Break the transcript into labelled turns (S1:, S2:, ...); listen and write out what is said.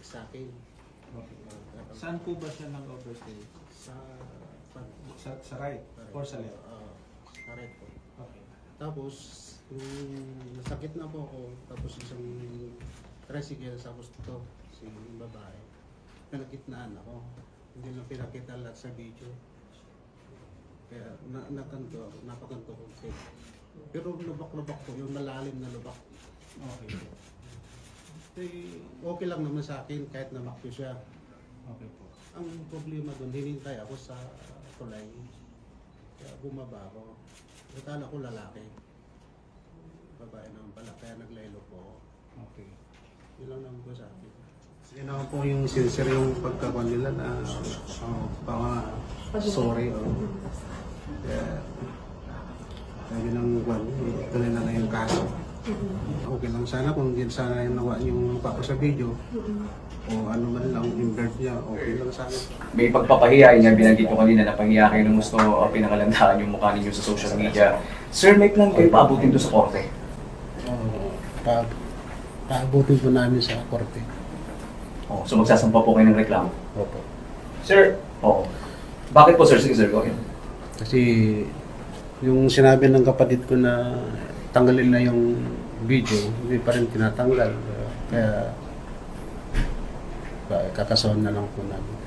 S1: sa akin.
S2: Okay. Saan po ba siya nag-overstay?
S1: Sa
S2: Sa right or sa left?
S1: Sa right po.
S2: Okay.
S1: Tapos, nasakit na po ako. Tapos isang tricycle, tapos ito, si babae. Pinagitnaan ako. Hindi lang pinakita lahat sa video. Kaya nakanto, napakanto ko. Pero lubak-lubak po, yung malalim na lubak.
S2: Okay.
S1: Okay lang naman sa akin kahit namakyo siya.
S2: Okay po.
S1: Ang problema doon, hinintay ako sa tulay. Kaya bumaba ako. Akala ko lalaki. Babae naman pala, kaya naglaylo po ako.
S2: Okay.
S1: Yun lang naman po sa akin. Yun naman po yung sincere yung pagkakuan nila na sorry. Kaya yun ang kuwan, tuloy na lang yung kaso. Okay lang sana kung hindi sana yung nawa yung mukha ko sa video. O ano man lang, invert niya, okay lang sana.
S3: May pagpapahiya niya, binanggit ko kanina na pahiya kayo ng gusto pinakalandakan yung mukha ninyo sa social media. Sir, may plan kayo paabutin to sa korte?
S1: Paabutin po namin sa korte.
S3: Oh, so magsasampa po kayo ng reklamo?
S1: Opo.
S3: Sir, oo. Bakit po sir? Sige sir, go ahead.
S1: Kasi yung sinabi ng kapatid ko na tanggalin na yung video, hindi pa rin tinatanggal. Kaya kakasuhan na lang po namin.